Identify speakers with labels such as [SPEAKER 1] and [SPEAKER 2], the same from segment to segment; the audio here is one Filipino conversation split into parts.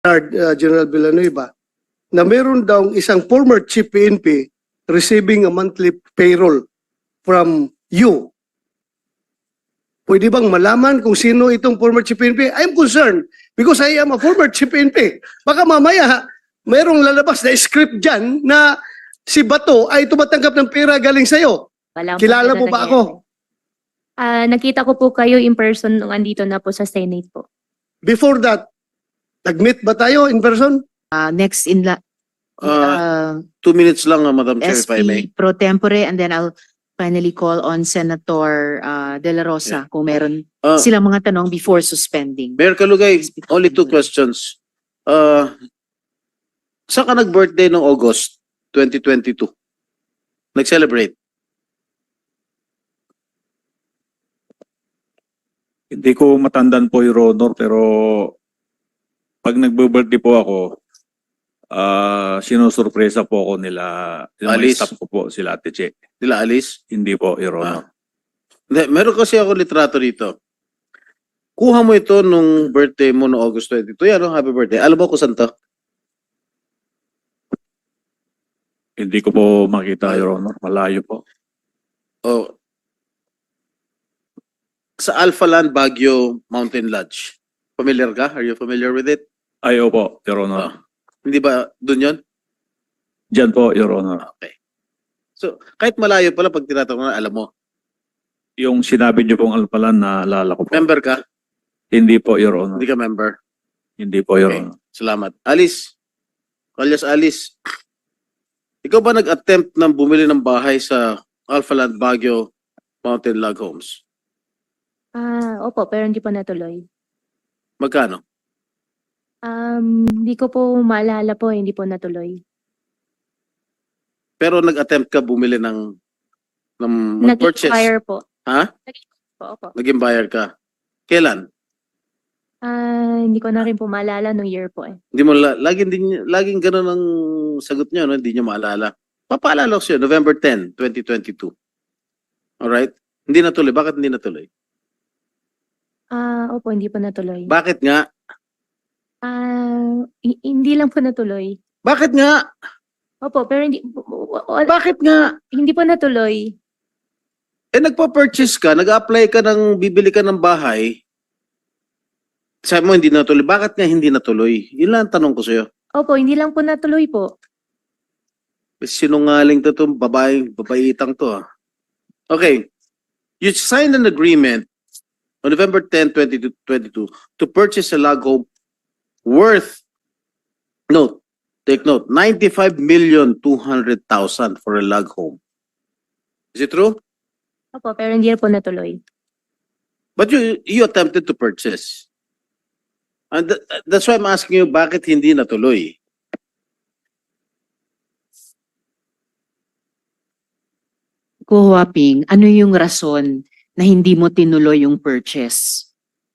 [SPEAKER 1] General Villanueva, na meron daw isang former chief PNP receiving a monthly payroll from you. Pwede bang malaman kung sino itong former chief PNP? I'm concerned because I am a former chief PNP. Baka mamaya, mayroong lalabas na script dyan na si Bato ay tumatanggap ng pera galing sa'yo.
[SPEAKER 2] Walang
[SPEAKER 1] Kilala mo ba ako?
[SPEAKER 2] Nakita ko po kayo in person nung andito na po sa Senate po.
[SPEAKER 1] Before that, nag-meet ba tayo in person?
[SPEAKER 3] Next in la
[SPEAKER 4] 2 minutes lang, Madam Chair, if I may.
[SPEAKER 3] SP pro tempore, and then I'll finally call on Senator De La Rosa kung meron silang mga tanong before suspending.
[SPEAKER 4] Mayor Kalugay, only 2 questions. Saan ka nag-birthday noong August 2022? Nag-celebrate?
[SPEAKER 5] Hindi ko matandaan po, Your Honor, pero pag nagbe-birthday po ako, sinusurpresa po ako nila, yung mga
[SPEAKER 4] Alice?
[SPEAKER 5] staff ko po, sila Ate Che.
[SPEAKER 4] Nila Alice?
[SPEAKER 5] Hindi po, Your Honor.
[SPEAKER 4] Hindi, meron kasi ako litrato dito. Kuha mo ito nung birthday mo noong August 22. Yan, happy birthday. Alam mo kung saan to?
[SPEAKER 5] Hindi ko po makita, Your Honor. Malayo po.
[SPEAKER 4] Oh. Sa Alpha Land Baguio Mountain Lodge. Familiar ka? Are you familiar with it?
[SPEAKER 5] Ayaw po, Your Honor.
[SPEAKER 4] Hindi ba dun yon?
[SPEAKER 5] Diyan po, Your Honor.
[SPEAKER 4] Okay. So, kahit malayo pala pag tinatanong na, alam mo.
[SPEAKER 5] Yung sinabi niyo pong alpalan, naalala ko po.
[SPEAKER 4] Member ka?
[SPEAKER 5] Hindi po, Your Honor.
[SPEAKER 4] Hindi ka member?
[SPEAKER 5] Hindi po, Your
[SPEAKER 4] Okay.
[SPEAKER 5] Honor.
[SPEAKER 4] Salamat. Alice. Alias Alice. Ikaw ba nag-attempt na bumili ng bahay sa Alpha Land Baguio Mountain Log Homes?
[SPEAKER 2] Opo, pero hindi po natuloy.
[SPEAKER 4] Magkano?
[SPEAKER 2] Hindi ko po maalala po, hindi po natuloy.
[SPEAKER 4] Pero nag-attempt ka bumili ng mag-purchase?
[SPEAKER 2] Nag-expire po.
[SPEAKER 4] Ha?
[SPEAKER 2] Po, opo.
[SPEAKER 4] Naging buyer ka? Kailan?
[SPEAKER 2] Hindi ko na rin po maalala nung year po eh.
[SPEAKER 4] Hindi mo laging ganun ang sagot niyo, no? Hindi niyo maalala. Papaalala ko sa'yo, November 10, 2022. Alright? Hindi natuloy. Bakit hindi natuloy?
[SPEAKER 2] Opo, hindi po natuloy.
[SPEAKER 4] Bakit nga?
[SPEAKER 2] Hindi lang po natuloy.
[SPEAKER 4] Bakit nga?
[SPEAKER 2] Opo, pero
[SPEAKER 4] Bakit nga?
[SPEAKER 2] hindi po natuloy.
[SPEAKER 4] Eh, nagpa-purchase ka, nag-apply ka ng bibili ka ng bahay. Sabi mo hindi natuloy. Bakit nga hindi natuloy? Yun lang ang tanong ko sa'yo.
[SPEAKER 2] Opo, hindi lang po natuloy po.
[SPEAKER 4] Sinungaling to itong babaitang to. Okay. You signed an agreement on November 10, 2022 to purchase a log home worth, take note, 95,200,000 for a log home. Is it true?
[SPEAKER 2] Opo, pero hindi po natuloy.
[SPEAKER 4] But you attempted to purchase. And that's why I'm asking you, bakit hindi natuloy?
[SPEAKER 3] Ko Huaping, ano yung rason na hindi mo tinuloy yung purchase?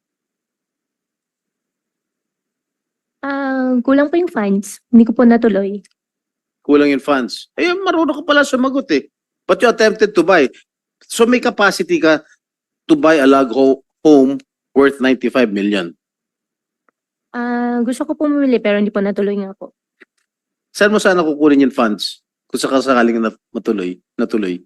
[SPEAKER 2] Kulang po yung funds. Hindi ko po natuloy.
[SPEAKER 4] Kulang yung funds. Eh, marunong ka pala sumagot eh. But you attempted to buy. So may capacity ka to buy a log home worth 95 million.
[SPEAKER 2] Gusto ko pumili pero hindi po natuloy nga po.
[SPEAKER 4] Saan mo sana kukunin yung funds? Kung sakasakaling natuloy.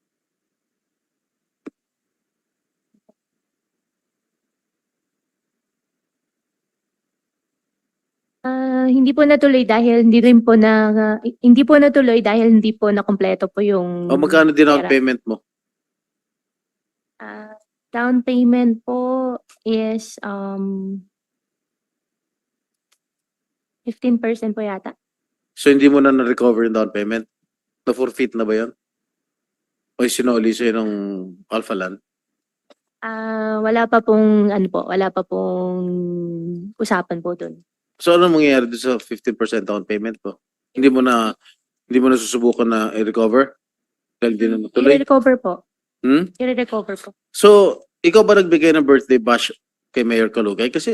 [SPEAKER 2] Hindi po natuloy dahil hindi po natuloy dahil hindi po nakumpleto po yung
[SPEAKER 4] O magkano din ang
[SPEAKER 2] pera.
[SPEAKER 4] payment mo?
[SPEAKER 2] Down payment po is 15% po yata.
[SPEAKER 4] So hindi mo na na-recover yung down payment? Na-forfeit na ba yun? O sinuli sa'yo ng Alpha Land?
[SPEAKER 2] Wala pa pong usapan po dun.
[SPEAKER 4] So ano mangyayari doon sa 15% down payment po? Hindi mo na susubukan na i-recover? Dahil hindi na natuloy?
[SPEAKER 2] I-recover po.
[SPEAKER 4] Hmm?
[SPEAKER 2] I-recover po.
[SPEAKER 4] So, ikaw ba nagbigay ng birthday bash kay Mayor Kalugay? Kasi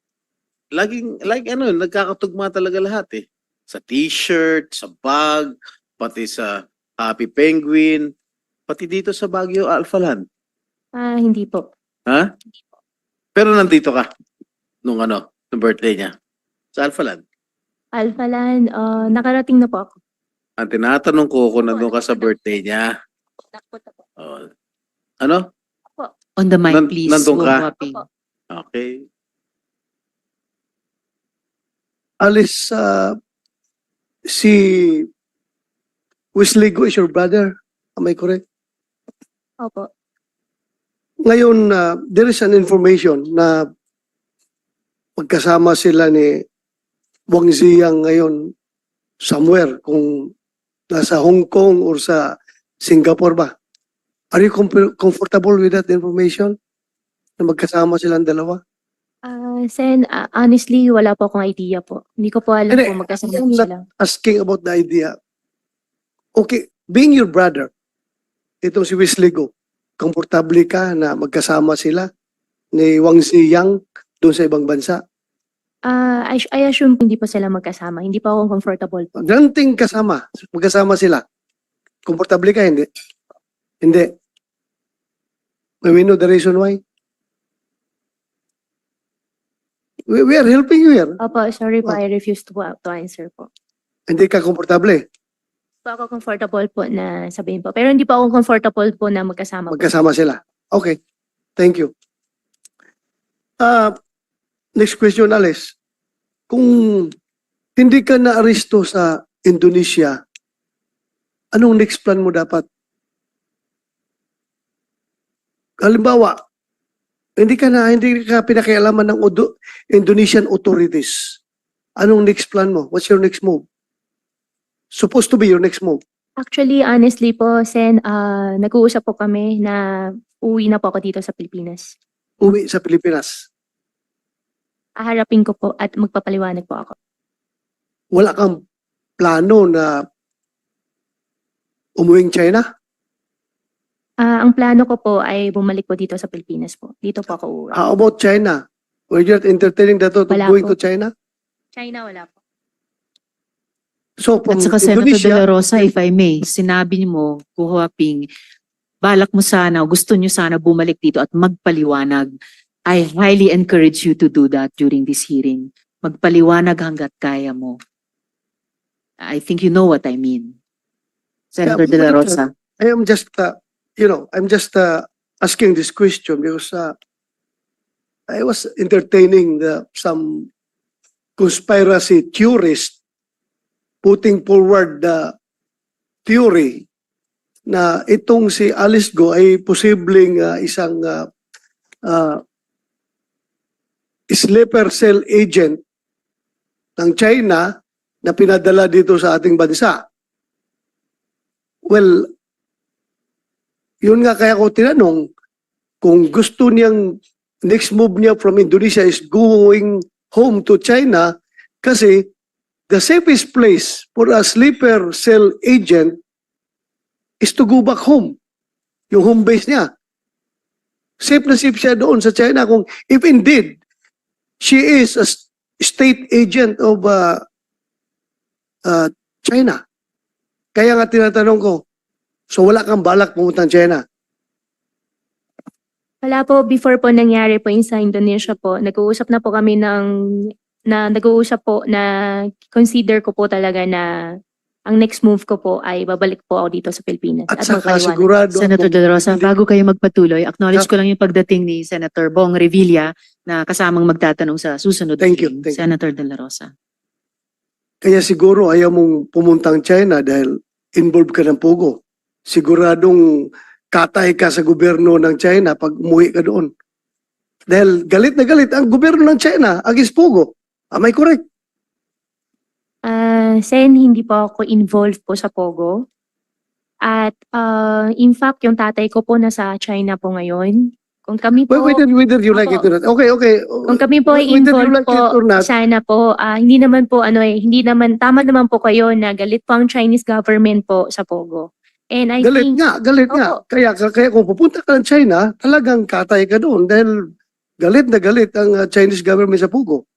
[SPEAKER 4] nagkakatugma talaga lahat eh. Sa t-shirt, sa bag, pati sa Happy Penguin, pati dito sa Baguio Alpha Land.
[SPEAKER 2] Hindi po.
[SPEAKER 4] Ha? Pero nandito ka nung birthday niya. Sa Alphaland.
[SPEAKER 2] Alphaland, nakarating na po ako.
[SPEAKER 4] Ang tinatanong ko kung nandun ka sa birthday niya.
[SPEAKER 2] Nakapunta po.
[SPEAKER 4] Oh. Ano?
[SPEAKER 3] On the mic,
[SPEAKER 4] Nan-
[SPEAKER 3] please.
[SPEAKER 4] nandun ka?
[SPEAKER 3] Waping.
[SPEAKER 2] Opo.
[SPEAKER 4] Okay.
[SPEAKER 1] Alice, si Wisligo is your brother. Am I correct?
[SPEAKER 2] Opo.
[SPEAKER 1] Ngayon, there is an information na magkasama sila ni Wang Ziyang ngayon somewhere, kung nasa Hong Kong or sa Singapore ba. Are you comfortable with that information? Na magkasama silang dalawa?
[SPEAKER 2] Sen, honestly, wala po akong idea po. Hindi ko po alam
[SPEAKER 1] Hindi,
[SPEAKER 2] kung magkasama
[SPEAKER 1] I'm
[SPEAKER 2] po
[SPEAKER 1] not
[SPEAKER 2] sila.
[SPEAKER 1] asking about the idea. Okay, being your brother, itong si Wisligo, komportable ka na magkasama sila ni Wang Ziyang doon sa ibang bansa?
[SPEAKER 2] I assume hindi po sila magkasama. Hindi pa ako comfortable po.
[SPEAKER 1] Granting magkasama sila. Komportable ka, hindi? Hindi. May we know the reason why? We are helping you here.
[SPEAKER 2] Opo, sorry po, I refuse to answer po.
[SPEAKER 1] Hindi ka komportable.
[SPEAKER 2] Hindi po ako comfortable po na sabihin po. Pero hindi po ako comfortable po na magkasama po.
[SPEAKER 1] Magkasama sila. Okay. Thank you. Next question, Alice. Kung hindi ka na-aristo sa Indonesia, anong next plan mo dapat? Halimbawa, hindi ka pinakialaman ng Indonesian authorities. Anong next plan mo? What's your next move? Supposed to be your next move.
[SPEAKER 2] Actually, honestly po, Sen, nag-uusap po kami na uwi na po ako dito sa Pilipinas.
[SPEAKER 1] Uwi sa Pilipinas.
[SPEAKER 2] Aharapin ko po at magpapaliwanag po ako.
[SPEAKER 1] Wala kang plano na umuwing China?
[SPEAKER 2] Ang plano ko po ay bumalik po dito sa Pilipinas po. Dito po ako uuwi.
[SPEAKER 1] How about China? Were you entertaining that thought of
[SPEAKER 2] Wala
[SPEAKER 1] going
[SPEAKER 2] po.
[SPEAKER 1] to China?
[SPEAKER 2] China, wala po.
[SPEAKER 1] So from
[SPEAKER 3] At saka Senator De
[SPEAKER 1] Indonesia,
[SPEAKER 3] La Rosa, if I may, sinabi mo, Kuhuaping, balak mo sana, gusto nyo sana bumalik dito at magpaliwanag. I highly encourage you to do that during this hearing. Magpaliwanag hanggat kaya mo. I think you know what I mean. Senator De La Rosa.
[SPEAKER 1] I am just, I'm just asking this question because I was entertaining some conspiracy theorists putting forward the theory na itong si Alice Go ay posibleng isang sleeper cell agent ng China na pinadala dito sa ating bansa. Well, yun nga kaya ko tinanong kung gusto niyang next move niya from Indonesia is going home to China kasi the safest place for a sleeper cell agent is to go back home. Yung home base niya. Safe na safe siya doon sa China kung if indeed she is a state agent of China. Kaya nga tinatanong ko, so wala kang balak pumunta ng China?
[SPEAKER 2] Wala po, before po nangyari po yung sa Indonesia po, nag-uusap na po kami nag-uusap po na consider ko po talaga na ang next move ko po ay babalik po ako dito sa Pilipinas.
[SPEAKER 1] At saka
[SPEAKER 2] magpaliwanag.
[SPEAKER 1] sigurado
[SPEAKER 3] Senator
[SPEAKER 1] ako,
[SPEAKER 3] De La Rosa,
[SPEAKER 1] hindi-
[SPEAKER 3] bago kayo magpatuloy, acknowledge ko lang yung pagdating ni Senator Bong Revilla na kasamang magtatanong sa susunod.
[SPEAKER 1] Thank you,
[SPEAKER 3] hearing.
[SPEAKER 1] thank you.
[SPEAKER 3] Senator De La Rosa.
[SPEAKER 1] kaya siguro ayaw mong pumuntang China dahil involved ka ng Pogo. Siguradong katay ka sa gobyerno ng China pag umuwi ka doon. Dahil galit na galit ang gobyerno ng China against Pogo. Am I correct?
[SPEAKER 2] Sen, hindi po ako involved po sa Pogo. At in fact, yung tatay ko po nasa China po ngayon. Kung kami po,
[SPEAKER 1] Whether you like it
[SPEAKER 2] Opo.
[SPEAKER 1] or not. Okay.
[SPEAKER 2] kung kami po ay
[SPEAKER 1] Whether you
[SPEAKER 2] involved
[SPEAKER 1] like it
[SPEAKER 2] po,
[SPEAKER 1] or not,
[SPEAKER 2] sana po, hindi naman po, hindi naman, tama naman po kayo na galit po ang Chinese government po sa Pogo. And I
[SPEAKER 1] galit
[SPEAKER 2] think,
[SPEAKER 1] nga.
[SPEAKER 2] Opo.
[SPEAKER 1] Kaya kung pupunta ka ng China, talagang katay ka doon dahil galit na galit ang Chinese government sa Pogo.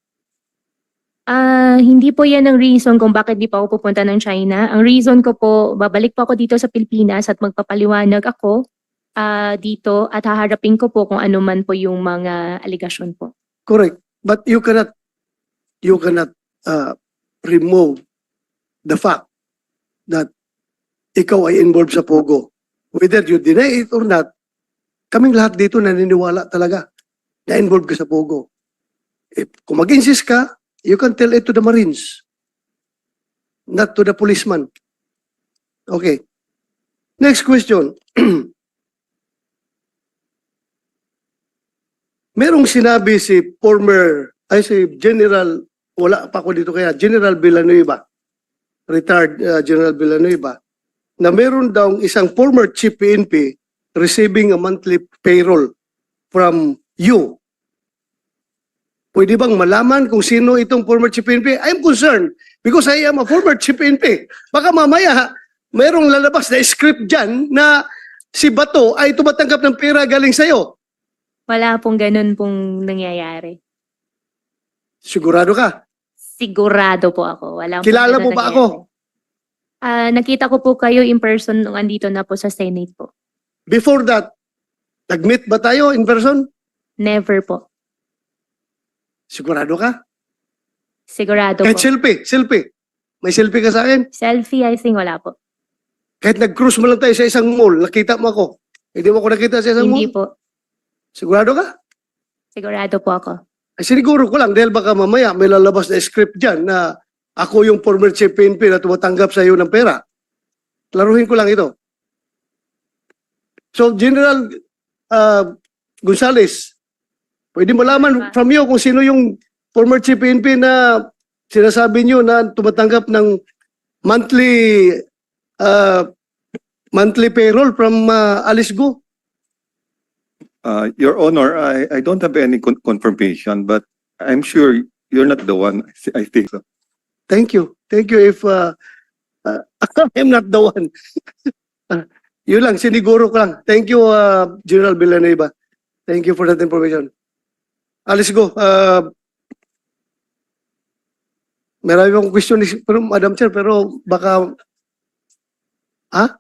[SPEAKER 2] hindi po yan ang reason kung bakit di pa ako pupunta ng China. Ang reason ko po, babalik po ako dito sa Pilipinas at magpapaliwanag ako dito at haharapin ko po kung ano man po yung mga aligasyon po.
[SPEAKER 1] Correct. But you cannot remove the fact that ikaw ay involved sa Pogo. Whether you deny it or not, kaming lahat dito naniniwala talaga na involved ka sa Pogo. Kung mag-insist ka, you can tell it to the Marines, not to the policeman. Okay. Next question. Merong sinabi si General, wala pa ako dito kaya, General Villanueva, retired General Villanueva, na meron daw isang former chief PNP receiving a monthly payroll from you. Pwede bang malaman kung sino itong former chief PNP? I'm concerned because I am a former chief PNP. Baka mamaya, merong lalabas na script dyan na si Bato ay tumatanggap ng pera galing sa'yo.
[SPEAKER 2] Wala pong ganun pong nangyayari.
[SPEAKER 1] Sigurado ka?
[SPEAKER 2] Sigurado po ako. Wala pong
[SPEAKER 1] Kilala
[SPEAKER 2] ganun
[SPEAKER 1] mo ba
[SPEAKER 2] nangyayari.
[SPEAKER 1] ako?
[SPEAKER 2] Nakita ko po kayo in person nung andito na po sa Senate po.
[SPEAKER 1] Before that, nag-meet ba tayo in person?
[SPEAKER 2] Never po.
[SPEAKER 1] Sigurado ka?
[SPEAKER 2] Sigurado
[SPEAKER 1] Kahit
[SPEAKER 2] po.
[SPEAKER 1] selfie. May selfie ka sa akin?
[SPEAKER 2] Selfie, I think wala po.
[SPEAKER 1] Kahit nag-cruise mo lang tayo sa isang mall, nakita mo ako. Hindi mo ako nakita sa isang
[SPEAKER 2] Hindi
[SPEAKER 1] mall?
[SPEAKER 2] po.
[SPEAKER 1] Sigurado ka?
[SPEAKER 2] Sigurado po ako.
[SPEAKER 1] Ay, siniguro ko lang dahil baka mamaya may lalabas na script dyan na ako yung former chief PNP na tumatanggap sa iyo ng pera. Klaruhin ko lang ito. So, General Gonzales, pwede malaman from you kung sino yung former chief PNP na sinasabi niyo na tumatanggap ng monthly payroll from Alice Go?
[SPEAKER 6] Your Honor, I don't have any confirmation, but I'm sure you're not the one. I think so.
[SPEAKER 1] Thank you. Thank you if I'm not the one. Yun lang, siniguro ko lang. Thank you, General Villanueva. Thank you for that information. Let's go. Marami akong question, pero Madam Chair, pero baka... Ha?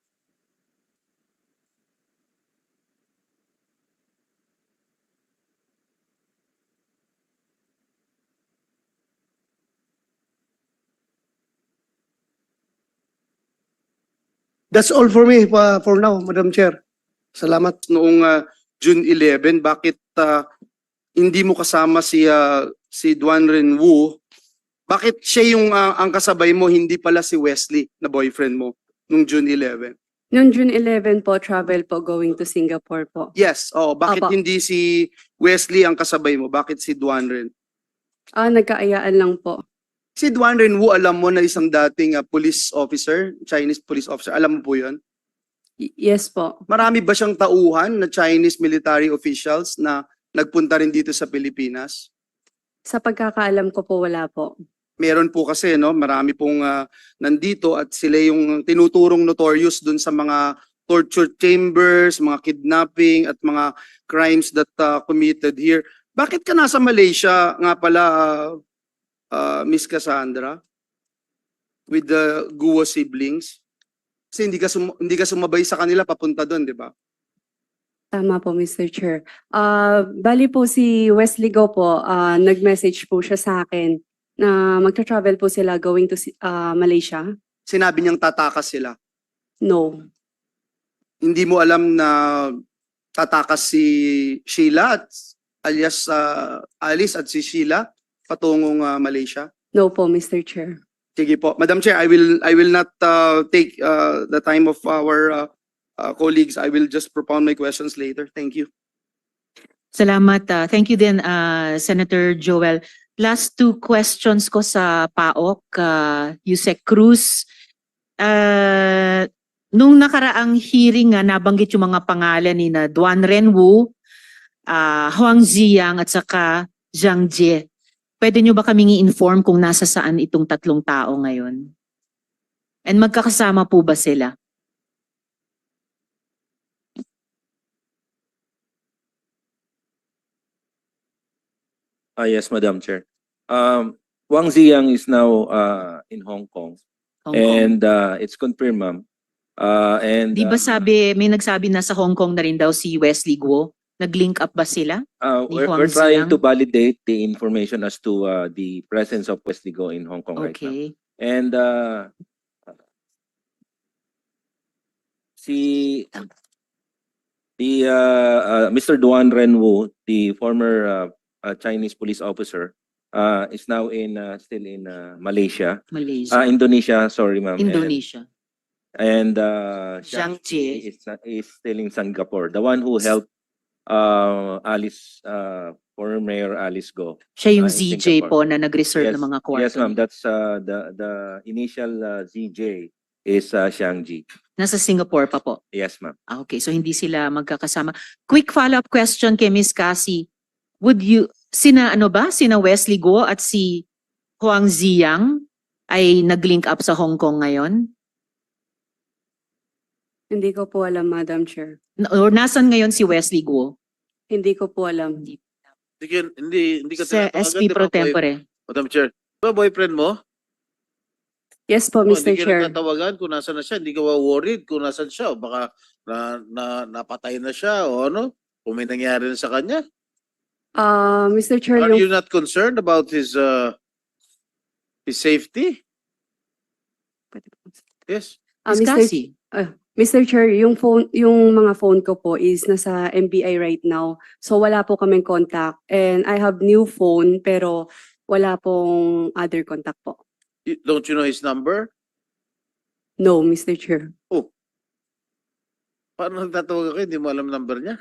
[SPEAKER 1] That's all for me for now, Madam Chair. Salamat.
[SPEAKER 7] Noong June 11, bakit hindi mo kasama si Duan Renwu? Bakit siya yung ang kasabay mo, hindi pala si Wesley na boyfriend mo noong June 11?
[SPEAKER 8] Noong June 11 po, travel po going to Singapore po.
[SPEAKER 7] Yes, bakit
[SPEAKER 8] Opo.
[SPEAKER 7] hindi si Wesley ang kasabay mo? Bakit si Duan Ren?
[SPEAKER 8] Nagkaayaan lang po.
[SPEAKER 7] Si Duan Renwu, alam mo na isang dating police officer, Chinese police officer. Alam mo po yun?
[SPEAKER 8] Yes po.
[SPEAKER 7] Marami ba siyang tauhan na Chinese military officials na nagpunta rin dito sa Pilipinas?
[SPEAKER 8] Sa pagkakaalam ko po, wala po.
[SPEAKER 7] Meron po kasi, no, marami pong nandito at sila yung tinuturong notorious dun sa mga torture chambers, mga kidnapping at mga crimes that committed here. Bakit ka nasa Malaysia nga pala, Miss Cassandra, with the Guo siblings? Kasi hindi ka sumabay sa kanila papunta doon, di ba?
[SPEAKER 8] Tama po, Mr. Chair. Bali po si Wesley Go po, nag-message po siya sa akin na magta-travel po sila going to Malaysia.
[SPEAKER 7] Sinabi niyang tatakas sila.
[SPEAKER 8] No.
[SPEAKER 7] Hindi mo alam na tatakas si Sheila at alias Alice at si Sheila patungong Malaysia?
[SPEAKER 8] No po, Mr. Chair.
[SPEAKER 7] Sige po. Madam Chair, I will not take the time of our colleagues. I will just propound my questions later. Thank you.
[SPEAKER 3] Salamat. Thank you din, Senator Joel. Last two questions ko sa PAOK, Yusek Cruz. Nung nakaraang hearing, nabanggit yung mga pangalan ni na Duan Renwu, Huang Ziyang at saka Zhang Jie. Pwede nyo ba kaming i-inform kung nasa saan itong tatlong tao ngayon? And magkakasama po ba sila?
[SPEAKER 9] Yes, Madam Chair. Wang Ziyang is now in Hong Kong,
[SPEAKER 3] Hong Kong.
[SPEAKER 9] and it's confirmed, ma'am.
[SPEAKER 3] Di ba may nagsabi na sa Hong Kong na rin daw si Wesley Guo? Nag-link up ba sila? Ni
[SPEAKER 9] We're
[SPEAKER 3] Huang
[SPEAKER 9] trying
[SPEAKER 3] Ziyang?
[SPEAKER 9] to validate the information as to the presence of Wesley Go in Hong Kong right now.
[SPEAKER 3] Okay.
[SPEAKER 9] And si Mr. Duan Renwu, the former Chinese police officer, is now still in Malaysia.
[SPEAKER 3] Malaysia.
[SPEAKER 9] Indonesia, sorry ma'am.
[SPEAKER 3] Indonesia.
[SPEAKER 9] And
[SPEAKER 3] Zhang
[SPEAKER 9] Zhang
[SPEAKER 3] Jie.
[SPEAKER 9] is still in Singapore. The one who helped Alice, former Mayor Alice Go.
[SPEAKER 3] Siya yung
[SPEAKER 9] in
[SPEAKER 3] ZJ
[SPEAKER 9] Singapore.
[SPEAKER 3] po na nag-reserve ng mga kwarto.
[SPEAKER 9] Yes, ma'am. That's the initial ZJ is Xiangji.
[SPEAKER 3] Nasa Singapore pa po.
[SPEAKER 9] Yes, ma'am.
[SPEAKER 3] Okay, so hindi sila magkakasama. Quick follow-up question kay Miss Cassie. Sina Wesley Go at si Huang Ziyang ay nag-link up sa Hong Kong ngayon?
[SPEAKER 8] Hindi ko po alam, Madam Chair.
[SPEAKER 3] Or nasan ngayon si Wesley Go?
[SPEAKER 8] Hindi ko po alam.
[SPEAKER 4] Hindi ka
[SPEAKER 3] Sa
[SPEAKER 4] tinatawagan,
[SPEAKER 3] SP
[SPEAKER 4] di ba,
[SPEAKER 3] Pro Tempore.
[SPEAKER 4] Madam Chair. Ba boyfriend mo?
[SPEAKER 8] Yes po, Mr.
[SPEAKER 4] Hindi ka
[SPEAKER 8] Chair.
[SPEAKER 4] natatawagan kung nasan na siya. Hindi ka worried kung nasan siya. O baka napatay na siya o ano. Kung may nangyari na sa kanya.
[SPEAKER 8] Mr. Chair,
[SPEAKER 4] Are
[SPEAKER 8] yung
[SPEAKER 4] you not concerned about his safety? Yes.
[SPEAKER 3] Miss
[SPEAKER 8] Mr.
[SPEAKER 3] Cassie.
[SPEAKER 8] Mr. Chair, yung mga phone ko po is nasa MBI right now. So wala po kaming contact. And I have new phone pero wala pong other contact po.
[SPEAKER 4] Don't you know his number?
[SPEAKER 8] No, Mr. Chair.
[SPEAKER 4] Paano nagtatawag ako? Hindi mo alam number niya?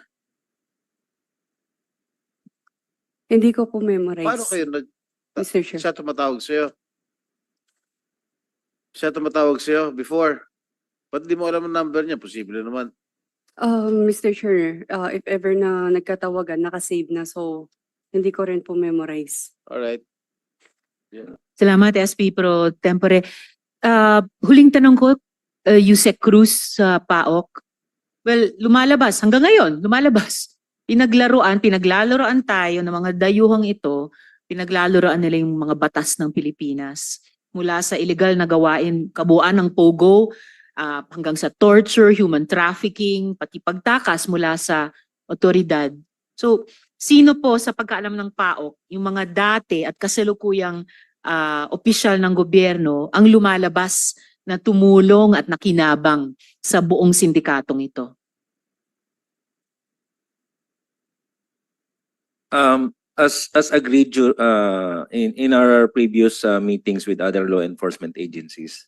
[SPEAKER 8] Hindi ko po memorize.
[SPEAKER 4] Paano kayo
[SPEAKER 8] Mr. Chair.
[SPEAKER 4] siya tumatawag sa'yo? Siya tumatawag sa'yo before? Ba't di mo alam ang number niya? Posible naman.
[SPEAKER 8] Mr. Chair, if ever na nagkatawagan, nakasave na. So hindi ko rin po memorize.
[SPEAKER 4] Alright.
[SPEAKER 3] Salamat, SP Pro Tempore. Huling tanong ko, Yusek Cruz sa PAOK. Well, lumalabas. Hanggang ngayon, lumalabas. Pinaglalaroan tayo ng mga dayuhang ito. Pinaglalaroan nila yung mga batas ng Pilipinas. Mula sa illegal na gawain, kabuuan ng POGO, hanggang sa torture, human trafficking, pati pagtakas mula sa otoridad. So, sino po sa pagkaalam ng PAOK, yung mga dati at kasalukuyang opisyal ng gobyerno ang lumalabas na tumulong at nakinabang sa buong sindikatong ito?
[SPEAKER 9] As agreed in our previous meetings with other law enforcement agencies,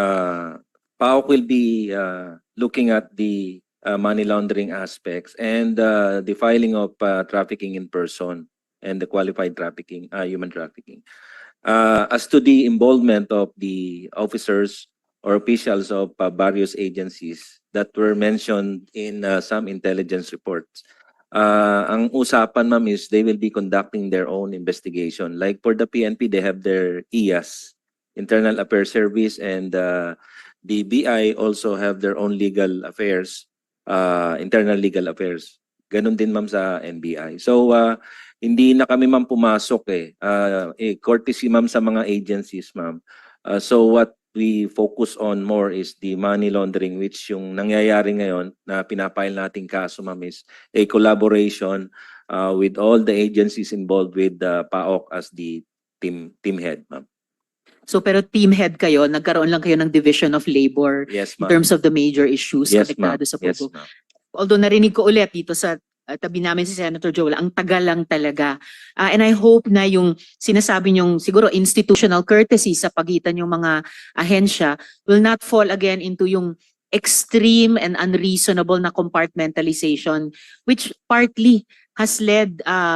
[SPEAKER 9] PAOK will be looking at the money laundering aspects and the filing of trafficking in person and the qualified trafficking, human trafficking. As to the involvement of the officers or officials of various agencies that were mentioned in some intelligence reports, ang usapan, ma'am, is they will be conducting their own investigation. Like for the PNP, they have their IAS, Internal Affairs Service, and the BI also have their own legal affairs, internal legal affairs. Ganun din, ma'am, sa NBI. So, hindi na kami, ma'am, pumasok courtesy, ma'am, sa mga agencies, ma'am. So what we focus on more is the money laundering, which yung nangyayari ngayon na pinapile nating kaso, ma'am, is a collaboration with all the agencies involved with the PAOK as the team head, ma'am.
[SPEAKER 3] So pero team head kayo, nagkaroon lang kayo ng division of labor
[SPEAKER 9] Yes,
[SPEAKER 3] in
[SPEAKER 9] ma'am.
[SPEAKER 3] terms of the major issues
[SPEAKER 9] Yes, ma'am.
[SPEAKER 3] konektado sa
[SPEAKER 9] Yes,
[SPEAKER 3] POGO.
[SPEAKER 9] ma'am.
[SPEAKER 3] Although narinig ko ulit dito sa tabi namin si Senator Joel, ang tagal lang talaga. And I hope na yung sinasabi niyong siguro institutional courtesy sa pagitan yung mga ahensya will not fall again into yung extreme and unreasonable na compartmentalization which partly has led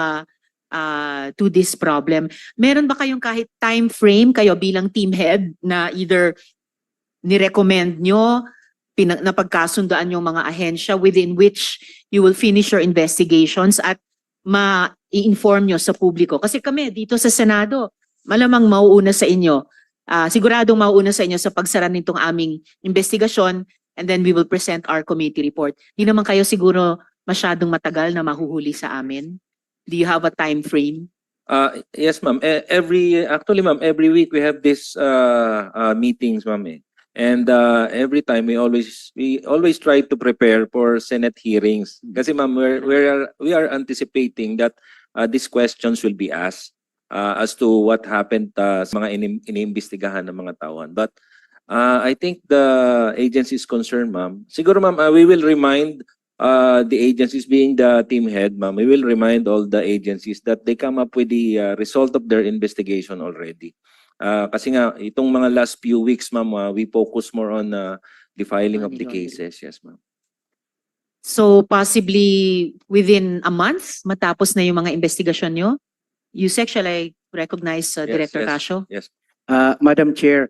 [SPEAKER 3] to this problem. Meron ba kayong kahit time frame kayo bilang team head na either ni-recommend nyo, napagkasundoan yung mga ahensya within which you will finish your investigations at ma-i-inform nyo sa publiko? Kasi kami dito sa Senado, malamang mauuna sa inyo. Siguradong mauuna sa inyo sa pagsara nitong aming investigasyon and then we will present our committee report. Di naman kayo siguro masyadong matagal na mahuhuli sa amin? Do you have a time frame?
[SPEAKER 9] Yes, ma'am. Actually, ma'am, every week we have this meetings, ma'am. And every time we always try to prepare for Senate hearings. Kasi ma'am, we are anticipating that these questions will be asked as to what happened sa mga iniimbestigahan ng mga tauhan. But I think the agency is concerned, ma'am. Siguro ma'am, we will remind the agencies, being the team head, ma'am, we will remind all the agencies that they come up with the result of their investigation already. Kasi nga, itong mga last few weeks, ma'am, we focus more on the filing of the
[SPEAKER 3] Money laundering.
[SPEAKER 9] cases. Yes, ma'am.
[SPEAKER 3] So possibly within a month, matapos na yung mga investigasyon nyo? Yusek, shall I recognize
[SPEAKER 9] Yes,
[SPEAKER 3] Director
[SPEAKER 9] yes.
[SPEAKER 3] Casio?
[SPEAKER 9] Yes.
[SPEAKER 10] Madam Chair,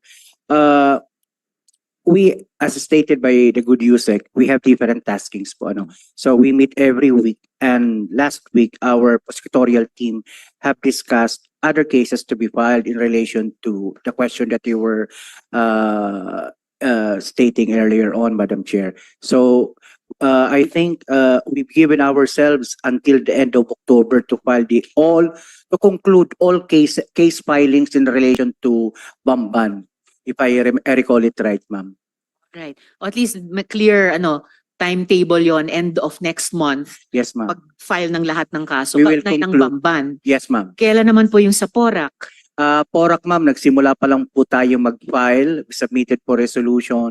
[SPEAKER 10] we, as stated by the good USEC, we have different taskings po, ano. So we meet every week, and last week, our prosecutorial team have discussed other cases to be filed in relation to the question that you were stating earlier on, Madam Chair. So I think we've given ourselves until the end of October to file to conclude all case filings in relation to Bamban. If I recall it right, ma'am.
[SPEAKER 3] Right. O at least clear timetable yon, end of next month,
[SPEAKER 10] Yes, ma'am.
[SPEAKER 3] pag-file ng lahat ng kaso.
[SPEAKER 10] We will
[SPEAKER 3] Kaugnay ng
[SPEAKER 10] conclude.
[SPEAKER 3] Bamban.
[SPEAKER 10] Yes, ma'am.
[SPEAKER 3] Kailan naman po yung sa Porac?
[SPEAKER 10] Porac, ma'am, nagsimula pa lang po tayo mag-file. We submitted for resolution.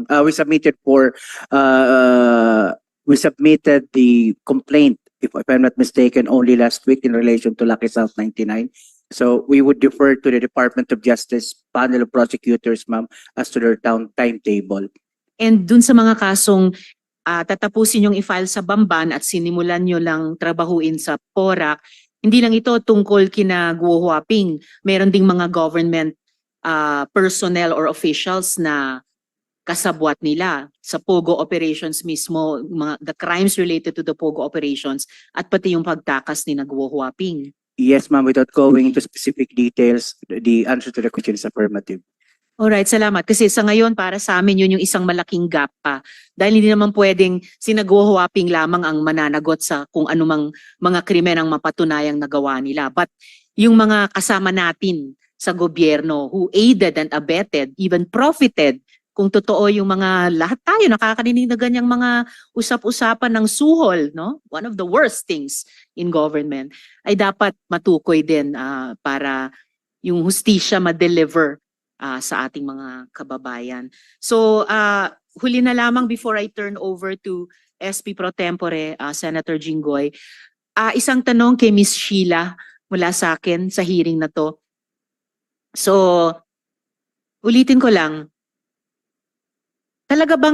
[SPEAKER 10] We submitted the complaint, if I'm not mistaken, only last week in relation to Lucky South 99. So we would defer to the Department of Justice panel of prosecutors, ma'am, as to their timetable.
[SPEAKER 3] And dun sa mga kasong tatapusin yung i-file sa Bamban at sinimulan nyo lang trabahuin sa Porac, hindi lang ito tungkol kina Guo Huaping. Meron ding mga government personnel or officials na kasabwat nila sa Pogo operations mismo, the crimes related to the Pogo operations at pati yung pagtakas ni Guo Huaping.
[SPEAKER 10] Yes, ma'am, without going into specific details, the answer to the question is affirmative.
[SPEAKER 3] Alright, salamat. Kasi sa ngayon, para sa amin, yun yung isang malaking gap pa. Dahil hindi naman pwedeng sina-Guo Huaping lamang ang mananagot sa kung anumang mga krimen ang mapatunayang nagawa nila. But yung mga kasama natin sa gobyerno who aided and abetted, even profited, kung totoo yung mga lahat tayo nakakarinig na ganyang mga usap-usapan ng suhol, no? One of the worst things in government ay dapat matukoy din para yung hustisya ma-deliver sa ating mga kababayan. So, huli na lamang before I turn over to SP Pro Tempore, Senator Jinggoy. Isang tanong kay Miss Sheila mula sa akin sa hearing na to. So, ulitin ko lang, talaga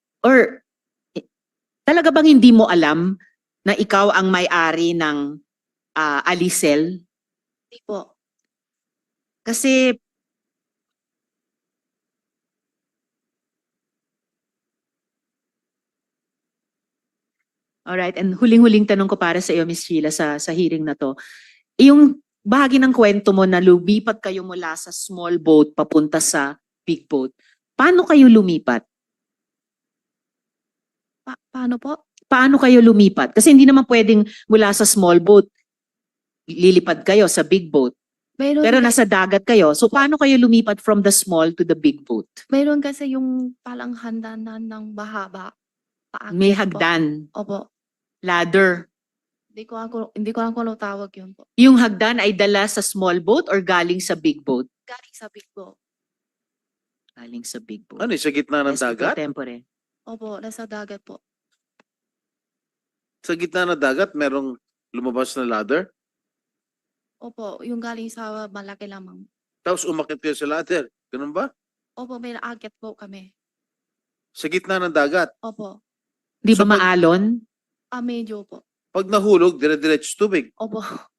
[SPEAKER 3] bang hindi mo alam na ikaw ang may-ari ng Alicel?
[SPEAKER 11] Hindi po.
[SPEAKER 3] Kasi alright, and huling-huling tanong ko para sa iyo, Miss Sheila, sa hearing na to. Yung bahagi ng kwento mo na lumipat kayo mula sa small boat papunta sa big boat, paano kayo lumipat?
[SPEAKER 11] Paano po?
[SPEAKER 3] Paano kayo lumipat? Kasi hindi naman pwedeng mula sa small boat, lilipad kayo sa big boat. Pero nasa dagat kayo. So paano kayo lumipat from the small to the big boat?
[SPEAKER 11] Mayroon kasi yung palang handanan ng bahaba. Paakyat
[SPEAKER 3] May
[SPEAKER 11] po.
[SPEAKER 3] hagdan,
[SPEAKER 11] Opo.
[SPEAKER 3] ladder.
[SPEAKER 11] Hindi ko alam kung ano tawag yun po.
[SPEAKER 3] Yung hagdan ay dala sa small boat or galing sa big boat?
[SPEAKER 11] Galing sa big boat.
[SPEAKER 3] Galing sa big boat.
[SPEAKER 4] Ano, sa gitna ng
[SPEAKER 3] SP Pro
[SPEAKER 4] dagat?
[SPEAKER 3] Tempore.
[SPEAKER 11] Opo, nasa dagat po.
[SPEAKER 4] Sa gitna ng dagat, merong lumabas na ladder?
[SPEAKER 11] Opo, yung galing sa malaki lamang.
[SPEAKER 4] Tapos umakyat kayo sa ladder. Ganun ba?
[SPEAKER 11] Opo, may naakyat po kami.
[SPEAKER 4] Sa gitna ng dagat.
[SPEAKER 11] Opo.
[SPEAKER 3] Di ba
[SPEAKER 4] So, pag-
[SPEAKER 3] maalon?
[SPEAKER 11] Medyo po.
[SPEAKER 4] Pag nahulog, dire-diretso tubig.
[SPEAKER 11] Opo.